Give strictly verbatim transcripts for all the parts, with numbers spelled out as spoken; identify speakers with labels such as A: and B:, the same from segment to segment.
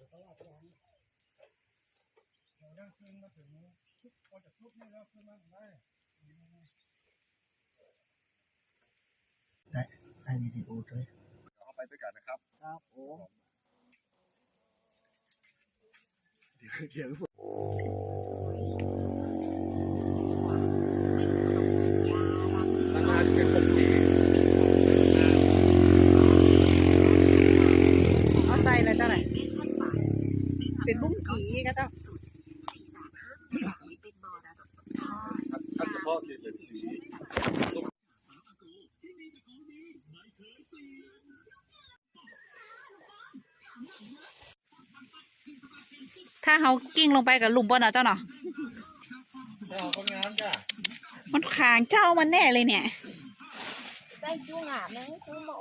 A: ตลาดร้านเราย่างขึ้นมาถึงซุปพอจะซุปนี่แล้วขึ้นมาได้ได้ให้วิดีโอด้วยเข้าไปด้วยกันนะครับครับโอ้เดี๋ยวเดี๋ยวตั้งนานเป็นคนดี
B: เอาใส่เลยเจ้าไหนเป็นบุ้งกีก็ต้อง
A: ท่านเฉพาะที่เป็นสี
B: ถ้าเขากิ้งลงไปกับลุมบนเนาะเจ้าเนาะ
A: เจ้าคนงานจ้ะ
B: มันขางเจ้ามันแน่เลยเนี่ย
C: ได้จุ้งอ่ะแม่งคือหมู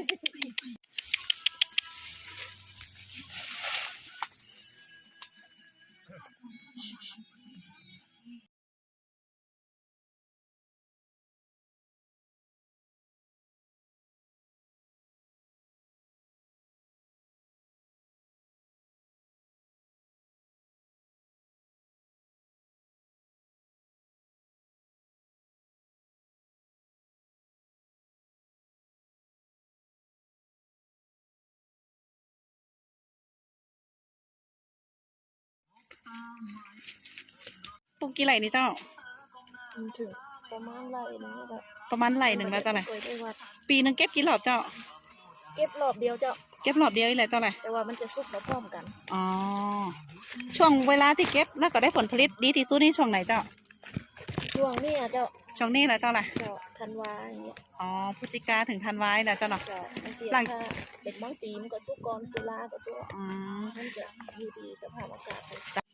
B: ปลูกกี่ไหลนี่เจ้า
C: ถึงประมาณไรนึงแบบ
B: ประมาณไหลหนึ่งแล้วเจ้าไหนปีหนึ่งเก็บกี่รอบเจ้า
C: เก็บรอบเดียวเจ้า
B: เก็บรอบเดียวนี่แหละเจ้าไหน
C: แต่ว่ามันจะสุกมาพร้อมกัน
B: อ๋อช่วงเวลาที่เก็บแล้วก็ได้ผลผลิตดีที่สุดนี่ช่วงไหนเจ้า
C: ช่วงนี้อ่ะเจ้า
B: ช่วงนี้แหละเจ้าไหน
C: เจ้าธันวาอย่างเงี้ย
B: อ๋อพฤศจิกาถึงธันวาแล้วเจ้าเนาะ
C: หลังเด็กบางปีมันก็สุกก่อนตุลาก็สุก
B: อ๋อ
C: มันจะอยู่ที่สภาพอากาศ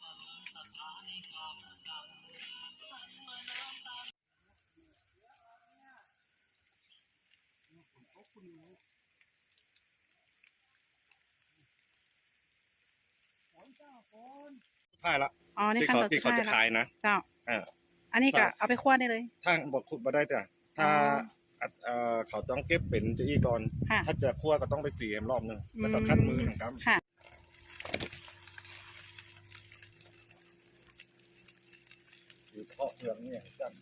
A: ถ่ายละ
B: อ๋อนี่ขั้นตอน
A: ที่เขาจะขายนะ
B: เจ้าอันนี้ก็เอาไปคั่วได้เลย
A: ถ้าบอกขุดมาได้จ้ะถ้าเขาต้องเก็บเป็นจะอีก่อนถ้าจะคั่วก็ต้องไปสีรอบหนึ่งแล้วก็คัดมือหนึ่งครับสีเพาะเผือกเนี่ยจ้ะ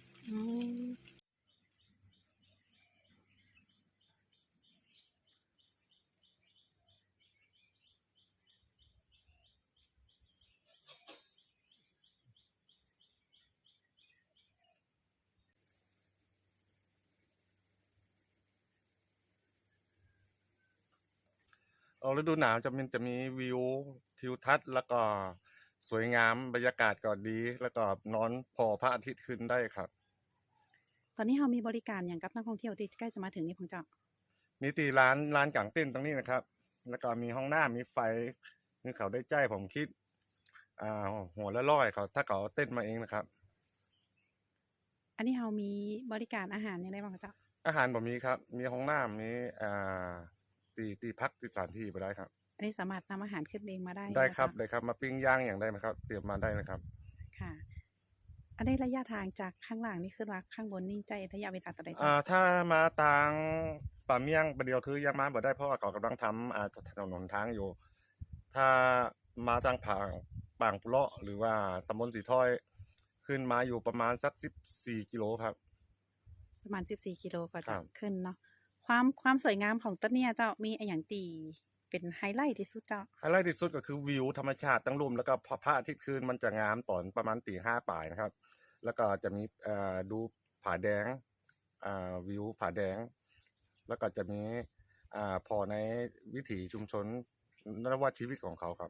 A: ฤดูหนาวจะมีจะมีวิวทิวทัศน์แล้วก็สวยงามบรรยากาศก็ดีแล้วก็นอนพอพระอาทิตย์ขึ้นได้ครับ
B: ตอนนี้เรามีบริการอย่างกับนักท่องเที่ยวที่ใกล้จะมาถึงนี่ของเจ้า
A: มีตีร้านร้านกางเต้นตรงนี้นะครับแล้วก็มีห้องน้ำมีไฟนี่เขาได้ใจผมคิดอ่าหัวละร้อยเขาถ้าเขาเต้นมาเองนะครับ
B: อันนี้เรามีบริการอาหารยังไงบ้างเจ้า
A: อาหารแบบนี้ครับมีห้องน้ำมีอ่าตีตีพักตีสถานที่ไปได้ครับ
B: อันนี้สามารถนำอาหารขึ้นเองมาได้
A: ได้ครับได้ครับมาปิ้งย่างอย่างได้ไหมครับเตรียมมาได้นะครับ
B: ค่ะอันนี้ระยะทางจากข้างล่างนี่ขึ้นมาข้างบนนี่ใจระยะเวลาต่อใด
A: อ่าถ้ามาทางป่าเมี่ยงประเดียวคือยังมาบ่ได้เพราะว่าเขากำลังทำอ่าถนนทางอยู่ถ้ามาทางผางปางปุเลาะหรือว่าตำบลสีถ้อยขึ้นมาอยู่ประมาณสักสิบสี่กิโลครับ
B: ประมาณสิบสี่กิโลก็จะขึ้นเนาะความความสวยงามของต้นเนี่ยเจ้ามีอย่างตีเป็นไฮไลท์ที่สุดเจ้า
A: ไฮไลท์ที่สุดก็คือวิวธรรมชาติตั้งรุ่มแล้วก็พระอาทิตย์ขึ้นมันจะงามตอนประมาณตีห้าป่ายนะครับแล้วก็จะมีดูผาแดงวิวผาแดงแล้วก็จะมีพอในวิถีชุมชนนวัตชีวิตของเขาครับ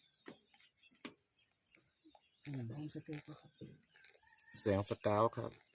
A: เสียงสกาวครับ